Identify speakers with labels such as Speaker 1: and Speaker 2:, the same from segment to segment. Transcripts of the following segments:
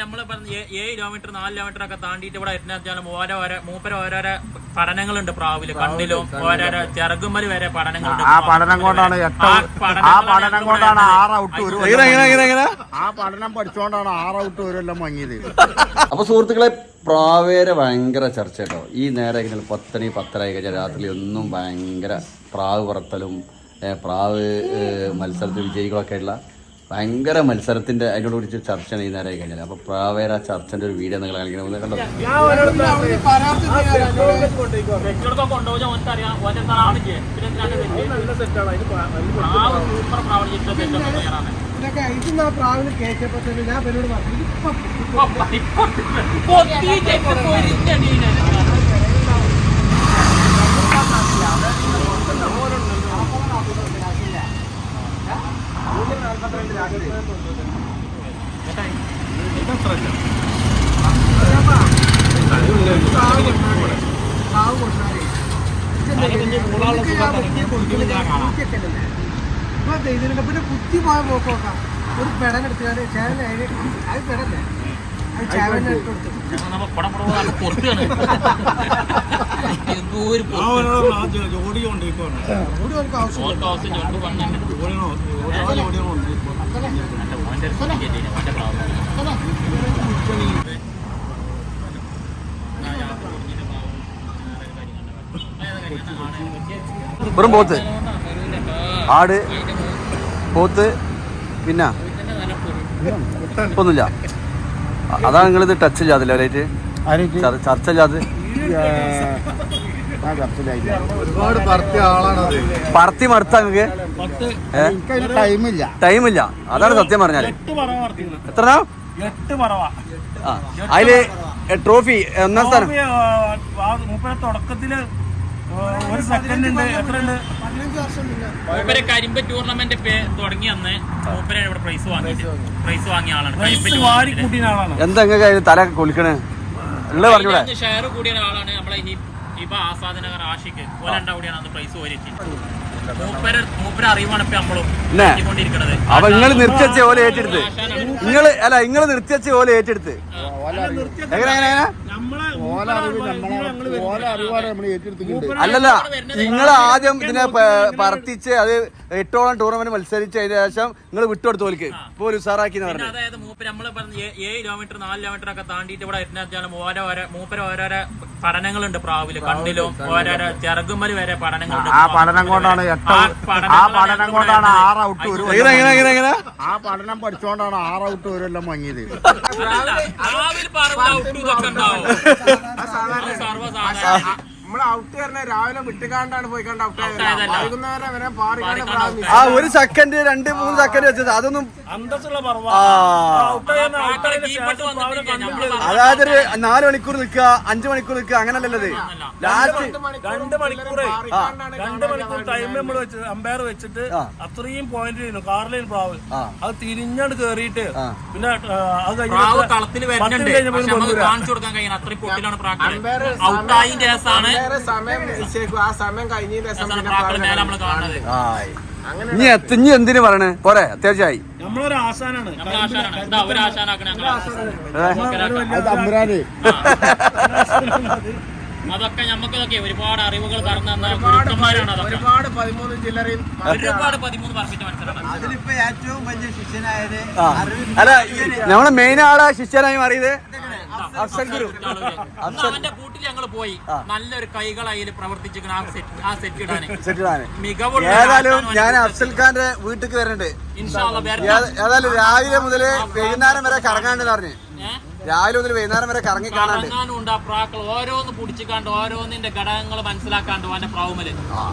Speaker 1: നമ്മള് 7 kilometre 4 kilometre ഒക്കെ താണ്ടിയിട്ട് ഇവിടെ എത്തുന്ന ഓരോരോ പഠനങ്ങളുണ്ട്. പ്രാവില് കണ്ണിലും ഓരോരോ ചെറുകുമ്പല് വരെ പഠനങ്ങളുണ്ട്.
Speaker 2: ആ പഠനം കൊണ്ടാണ് 6 ഔട്ട് വരും. ആ പഠനം പഠിച്ചോണ്ടാണ് 6 ഔട്ട് വരെല്ലാം വാങ്ങിയത്.
Speaker 3: അപ്പൊ സുഹൃത്തുക്കളെ, പ്രാവേരെ ഭയങ്കര ചർച്ച കേട്ടോ. ഈ നേരെ 10 മണി 10:30 കഴിഞ്ഞാൽ രാത്രി ഒന്നും ഭയങ്കര പ്രാവ് പറത്തലും പ്രാവ് മത്സരത്തിൽ വിജയികളൊക്കെ ആയിട്ടുള്ള ഭയങ്കര മത്സരത്തിന്റെ അതിനോട് കുറിച്ച് ചർച്ചയാണ് ഈ നേരെ കഴിഞ്ഞാൽ. അപ്പൊ പ്രാവേര ചർച്ചന്റെ ഒരു വീഡിയോ നിങ്ങൾ കാണിക്കണം. കണ്ടോ,
Speaker 4: പിന്നെ കുത്തി പോയ പോക്കോക്കാം ഒരു പെടനെടുത്തുകാര് ചേവനെ അത് പെടല്ലേ അത് ചേവനെ ഇട്ട് കൊടുത്തു.
Speaker 3: വെറും പോത്ത്, ആട്, പോത്ത്, പിന്നെ ഒന്നുമില്ല. അതാണ് നിങ്ങളിത് ടച്ച് ചെയ്യാതില്ല അവരായിട്ട് ചർച്ച ചെയ്യാതെ.
Speaker 2: ഒരുപാട് പറത്തിയ ആളാണത്.
Speaker 3: പറത്തി മടുത്താ നിങ്ങക്ക് ടൈമില്ല. അതാണ് സത്യം പറഞ്ഞാല്. എത്ര അതില് ട്രോഫി 1ാം സ്ഥാനം
Speaker 5: തുടക്കത്തില് ഒരു സെക്കൻഡ് ഉണ്ട്. എത്ര ഉണ്ട്?
Speaker 1: മൂപ്പര് കരിമ്പ് ടൂർണമെന്റ് തുടങ്ങി അന്ന് മൂപ്പര് ഇവിടെ പ്രൈസ് വാങ്ങിയ ആളാണ്.
Speaker 3: എന്താ തല കൊലിക്കണേ ഉള്ളത് പറഞ്ഞൂടെ?
Speaker 1: ഷെയർ കൂടിയ ആളാണ് നമ്മളെ ഹിബ ആസാദനഗർ ആഷിക്ക്. ഓലണ്ട കൂടിയാണ് അന്ന് പ്രൈസ് ഓരിച്ചിട്ട്. മൂപ്പര് അറിവാണ് ഇപ്പൊ നമ്മളും കൊണ്ടിരിക്കണത്.
Speaker 3: അപ്പൊ നിങ്ങൾ നിർത്തിവെച്ച ഓല ഏറ്റെടുത്ത് നിങ്ങൾ നിർത്തിവെച്ച ഓല ഏറ്റെടുത്ത് അല്ലല്ല, നിങ്ങൾ ആദ്യം ഇതിനെ പറത്തിച്ച് അത് 8ഓളം ടൂർണമെന്റ് മത്സരിച്ച് അതിന് ശേഷം നിങ്ങൾ വിട്ടുകൊടുത്ത് ഓലിക്ക് ഇപ്പോൾ ഉസാറാക്കി.
Speaker 1: അതായത് നമ്മള് 7 കിലോമീറ്റർ 4 കിലോമീറ്റർ ഒക്കെ താണ്ടിയിട്ട് ഇവിടെ മൂപ്പര് ഓരോരോ പഠനങ്ങളുണ്ട്. പ്രാവില് കണ്ണിലും ഓരോരോ ചെറുകുമ്പല് വരെ പഠനങ്ങളുണ്ട്.
Speaker 2: ആ പഠനം കൊണ്ടാണ് 6 ഔട്ട് വരും. ആ പഠനം പഠിച്ചോണ്ടാണ് 6 ഔട്ട് വരെല്ലാം വാങ്ങിയത്. നമ്മള് ഔട്ട് പറഞ്ഞ രാവിലെ വിട്ടുകാണ്ടാണ് പോയിക്കാണ്ട് ഔട്ട് ആയത്. വൈകുന്നേരം വരെ
Speaker 3: ആ 1 സെക്കൻഡ് 2-3 സെക്കൻഡ് വെച്ചത് അതൊന്നും അതായത് 4 മണിക്കൂർ നിൽക്കുക 5 മണിക്കൂർ നിൽക്കുക അങ്ങനല്ലത്. ലാസ്റ്റ്
Speaker 5: 2 മണിക്കൂർ ടൈം നമ്മൾ വെച്ച് അമ്പയർ വെച്ചിട്ട് അത്രയും പോയിന്റ് ചെയ്യുന്നു. കാറിലേന് പ്രാവ് അത് തിരിഞ്ഞാണ്ട് കേറിയിട്ട് പിന്നെ അത്
Speaker 3: ഇനി എന്തിനു പറയണേ പോരെ? അത്യാവശ്യമായി
Speaker 5: നമ്മളൊരു ആശാനാണ്.
Speaker 1: അതൊക്കെ നമുക്കൊക്കെ ഒരുപാട് അറിവുകൾ കടന്നു ഗുരുക്കന്മാരാണ്.
Speaker 2: ഒരുപാട് 13 ജില്ലയും
Speaker 1: ഒരുപാട് 13 പറമ്പിച്ച മത്സരമാണ്.
Speaker 4: അതിലിപ്പോ ഏറ്റവും വലിയ ശിഷ്യനായത്
Speaker 3: അല്ല നമ്മളെ മെയിൻ ആളെ ശിഷ്യനായി മാറിയത് അഫ്സൽ ഗുരു.
Speaker 1: അവന്റെ കൂട്ടിൽ ഞങ്ങൾ പോയി നല്ലൊരു കൈകൾ അതിൽ പ്രവർത്തിച്ചിരിക്കണം ആ സെറ്റ് ഇടാൻ മികവുള്ള.
Speaker 3: ഏതായാലും ഞാൻ അഫ്സൽ ഖാന്റെ വീട്ടിലേക്ക് വരുന്നുണ്ട്. ഏതായാലും രാവിലെ മുതല് വൈകുന്നേരം വരെ കറങ്ങാണ്ടെന്ന് പറഞ്ഞു. രാവിലെ മുതൽ വൈകുന്നേരം വരെ കറങ്ങി
Speaker 1: കാണാനുണ്ട്. ആ പ്രാക്കൾ ഓരോന്ന് പിടിച്ചിക്കാണ്ട് ഓരോന്നിന്റെ ഘടകങ്ങൾ മനസ്സിലാക്കാണ്ട് അവന്റെ പ്രാവുമല്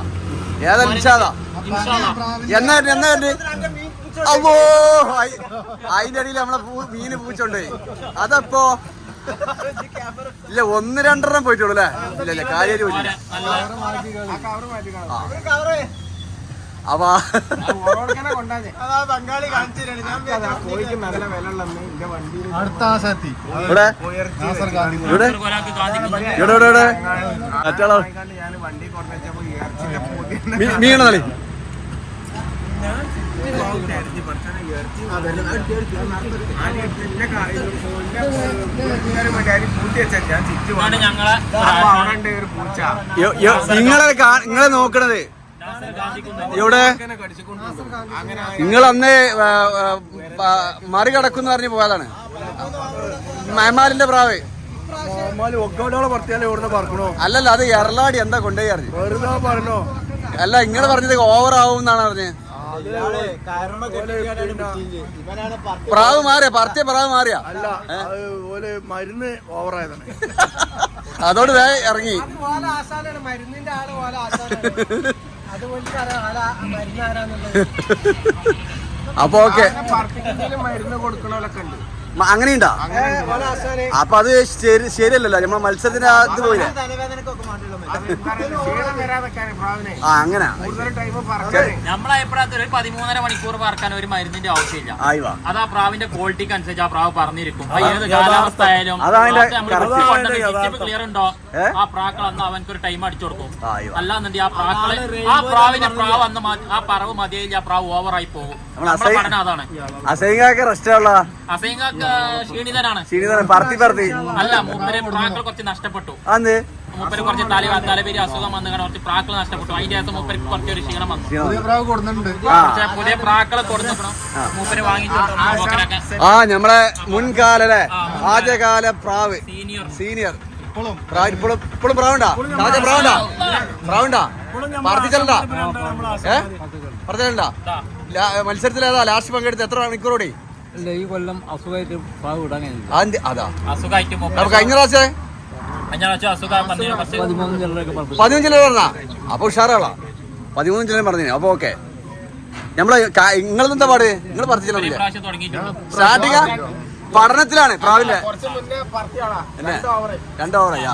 Speaker 3: എന്നാ അല്ലോ അതിന്റെ അടിയിൽ നമ്മളെ മീന് പൂച്ചുണ്ട്. അതപ്പോ ഇല്ല 1-2 പോയിട്ടുള്ളൂ അല്ലേ? ഇല്ല കാര്യം പോയിട്ടില്ല. മീണ
Speaker 1: ഇതാണ് ഞങ്ങളെ
Speaker 3: നിങ്ങളെ നോക്കണത് ഇവിടെ നിങ്ങൾ അന്ന് മറികടക്കുന്ന പറഞ്ഞ് പോയതാണ് മയമാലിന്റെ പ്രാവ്. അല്ലല്ല, അത് എറളാടി എന്താ കൊണ്ടുപോയി അറിഞ്ഞു. അല്ല, നിങ്ങൾ പറഞ്ഞത് ഓവർ ആവും എന്നാണ് പറഞ്ഞത്. പ്രാവ് മാറിയ പറത്തിയ പ്രാവ് മാറിയ
Speaker 5: മരുന്ന് ഓവറായതാണ്.
Speaker 3: അതോട് വേഗം ഇറങ്ങി.
Speaker 4: മരുന്നിന്റെ ആള് പോലെ
Speaker 3: അപ്പൊ ഓക്കെ,
Speaker 2: മരുന്ന് കൊടുക്കണോലൊക്കെ ഉണ്ട്.
Speaker 3: അങ്ങനെയുണ്ടാ? അപ്പൊ അത് ശരിയല്ലല്ലോ, നമ്മളെ മത്സരത്തിന് അത് പോയില്ലേ? ആ, അങ്ങനെ
Speaker 1: നമ്മളെ അഭിപ്രായത്തിൽ ഒരു 13.5 മണിക്കൂർ പറക്കാൻ ഒരു മരുന്നിന്റെ ആവശ്യമില്ല. അത് ആ പ്രാവിന്റെ ക്വാളിറ്റിക്ക് അനുസരിച്ച് ആ പ്രാവ് പറഞ്ഞിരിക്കും. ഏത് കാലാവസ്ഥ ആയാലും ക്ലിയർ ഉണ്ടോ ആ പ്രാക്കൾ അന്ന് അവനക്കൊരു ടൈം അടിച്ചു കൊടുക്കും. അല്ലാന്നുണ്ടെങ്കിൽ ആ പ്രാവിന്റെ പ്രാവ് അന്ന് ആ പറവ് മതിയായില്ല, ആ പ്രാവ് ഓവറായി പോകും. നമ്മളെ പഠനം അതാണ്. അസൈങ്കാക്ക് ക്ഷീണിതനാണ്. അല്ല, മൂപ്പര് പ്രാക്കൾ കുറച്ച് നഷ്ടപ്പെട്ടു. മൂപ്പര് കുറച്ച് തലപേരി അസുഖം വന്ന് കുറച്ച് പ്രാക്കൾ നഷ്ടപ്പെട്ടു. അതിന്റെ ശേഷം മൂപ്പര് കുറച്ചൊരു ക്ഷീണം വന്നു. പുതിയ പ്രാക്കളെ കൊടുക്കണം മൂപ്പര് വാങ്ങിച്ചു.
Speaker 3: നമ്മളെ മുൻകാല ആദ്യകാല പ്രാവ് സീനിയർ ഇപ്പോഴും പ്രാവുണ്ടാ? പ്രാവുണ്ടാ? പറത്തിച്ചലുണ്ടാ? പറഞ്ഞാ മത്സരത്തിൽ ഏതാ ലാസ്റ്റ് പങ്കെടുത്ത് എത്ര മണിക്കൂറോടി?
Speaker 6: ഈ കൊല്ലം അസുഖമായിട്ട് പ്രാവ് വിടാൻ
Speaker 3: അതാ
Speaker 1: അസുഖമായിട്ട്
Speaker 3: കഴിഞ്ഞ പ്രാവശ്യം 13 ചില്ലറ പറഞ്ഞാ? അപ്പൊ ഉഷാറാളാ, 13 ചില്ലറ പറഞ്ഞു. അപ്പൊ ഓക്കെ, നമ്മള് നിങ്ങളെന്താ പാട്? നിങ്ങൾ പറത്തിച്ചില്ലേ? സ്റ്റാർട്ടിങ് പഠനത്തിലാണ് പ്രാവില്ലേ? 2 ഓവറാ.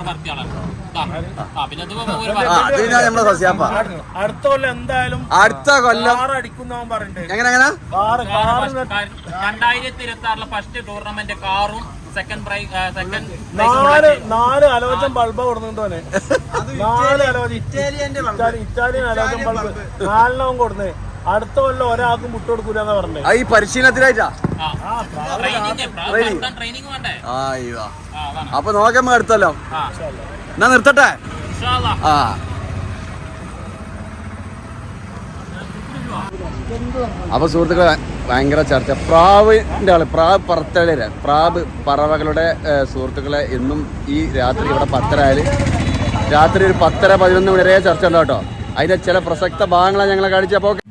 Speaker 3: നമ്മളെ സസ്യാപ്പ
Speaker 5: അടുത്ത കൊല്ലം എന്തായാലും
Speaker 3: അടുത്ത കൊല്ലം എങ്ങനെ
Speaker 1: 2026 ഫസ്റ്റ് ടൂർണമെന്റ് കാറും സെക്കൻഡ്
Speaker 5: നാല് അലോചൻ ബൾബ് കൊടുത്തോനെ. 4 അലോചൻ ഇറ്റാലിയൻ അലോചൻ ബൾബ് 4 കൊടുന്നേ. അടുത്ത കൊല്ലം ഒരാൾക്കും മുട്ട് കൊടുക്കൂലെന്നാ പറഞ്ഞേ.
Speaker 3: ഈ പരിശീലനത്തിലായിട്ടാ? അപ്പൊ നോക്കാം അടുത്തല്ലോ. എന്നാ നിർത്തട്ടെ. അപ്പൊ സുഹൃത്തുക്കളെ, ഭയങ്കര ചർച്ച പ്രാവിന്റെ ആള്, പ്രാവ് പറത്തലര പ്രാവ് പറവകളുടെ സുഹൃത്തുക്കളെ എന്നും ഈ രാത്രി ഇവിടെ 10:30 രാത്രി ഒരു 10:11 മണി വരെ ചർച്ച ഉണ്ടോ കേട്ടോ. അതിന്റെ ചില പ്രസക്ത ഭാഗങ്ങളാണ് ഞങ്ങളെ കാണിച്ചപ്പോ.